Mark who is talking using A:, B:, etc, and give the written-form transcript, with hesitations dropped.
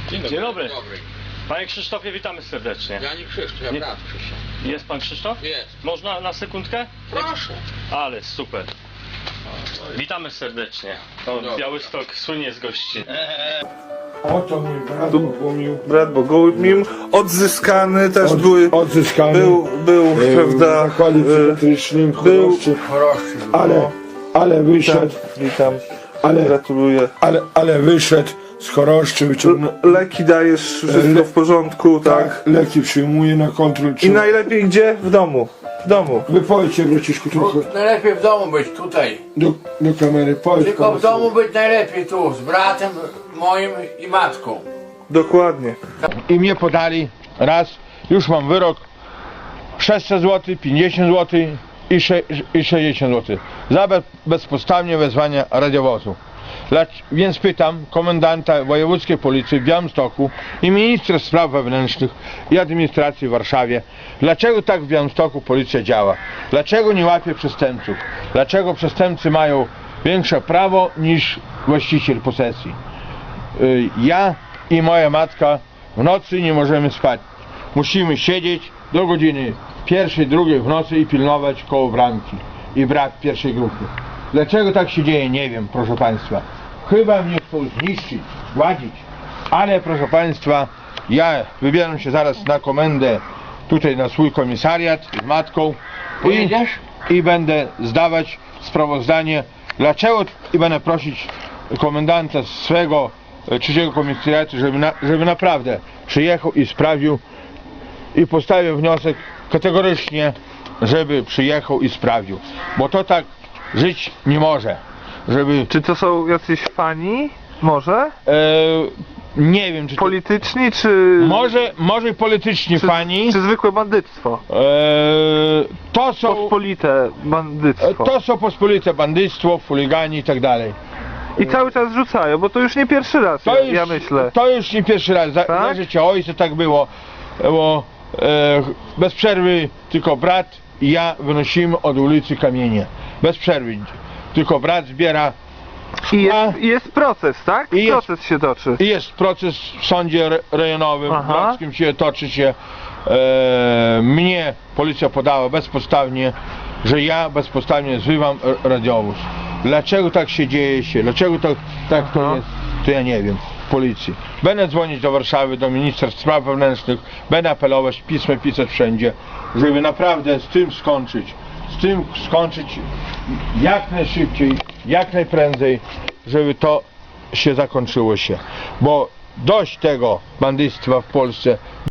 A: Dzień dobry. Panie Krzysztofie, witamy serdecznie.
B: Ja nie Krzysztof, ja brat Krzysztof.
A: Jest pan Krzysztof?
B: Jest.
A: Można na sekundkę?
B: Proszę.
A: Ale super. Witamy serdecznie. To Białystok słynie z gości.
C: Oto mój brat Bogumił.
D: Brat Bogumił, odzyskany też
C: Odzyskany.
D: był, prawda,
C: w zakładzie psychiatrycznym w
D: był-
C: Choroszczy. Ale wyszedł,
D: witam,
C: ale,
D: gratuluję.
C: ale wyszedł z Choroszczy, wyciągnął.
D: Leki dajesz, wszystko w porządku, tak?
C: Tak, leki przyjmuje na kontrol.
D: I najlepiej gdzie? W domu. W domu.
C: Wypowiedźcie, braciszku, trochę
E: Najlepiej w domu być tutaj.
C: do kamery. Powiedz
E: Tylko
C: panu
E: w domu być najlepiej tu, z bratem moim i matką.
D: Dokładnie.
F: I mnie podali raz, już mam wyrok 600 zł, 50 zł i 60 zł za bezpodstawne wezwanie radiowozu. Więc pytam komendanta wojewódzkiej policji w Białymstoku i ministra spraw wewnętrznych i administracji w Warszawie, dlaczego tak w Białymstoku policja działa? Dlaczego nie łapie przestępców? Dlaczego przestępcy mają większe prawo niż właściciel posesji? Ja i moja matka w nocy nie możemy spać. Musimy siedzieć do godziny 1, 2 w nocy i pilnować koło bramki i brak pierwszej grupy. Dlaczego tak się dzieje, nie wiem, proszę Państwa. Chyba mnie chcą zniszczyć, zgładzić. Ale proszę Państwa, ja wybieram się zaraz na komendę tutaj na swój komisariat z matką i będę zdawać sprawozdanie, dlaczego, i będę prosić komendanta swego trzeciego komisariatu, żeby naprawdę przyjechał i sprawdził i postawił wniosek kategorycznie, żeby przyjechał i sprawdził, bo to tak żyć nie może, żeby...
D: Czy to są jacyś fani? Może?
F: Nie wiem, czy to,
D: Polityczni, czy...
F: może polityczni fani,
D: Czy zwykłe bandyctwo?
F: to są...
D: Pospolite bandyctwo.
F: To są pospolite bandyctwo, chuligani i tak dalej.
D: I cały czas rzucają, bo to już nie pierwszy raz, ja myślę.
F: To już nie pierwszy raz, za
D: Tak?
F: życia ojca tak było, bo bez przerwy tylko brat i ja wynosimy od ulicy kamienie. Bez przerwy. Tylko brat zbiera
D: I
F: szkła
D: jest proces, tak?
F: I jest-
D: Proces się toczy.
F: i jest proces w sądzie rejonowym,
D: Aha.
F: grodzkim się toczy się. Mnie policja podała bezpodstawnie, że ja bezpodstawnie zrywam radiowóz. Dlaczego tak się dzieje dlaczego tak to jest, to ja nie wiem. Policji. Będę dzwonić do Warszawy, do ministra spraw wewnętrznych, będę apelować, pismo pisać wszędzie, żeby naprawdę z tym skończyć jak najszybciej, jak najprędzej, żeby to się zakończyło się. Bo dość tego bandyctwa w Polsce.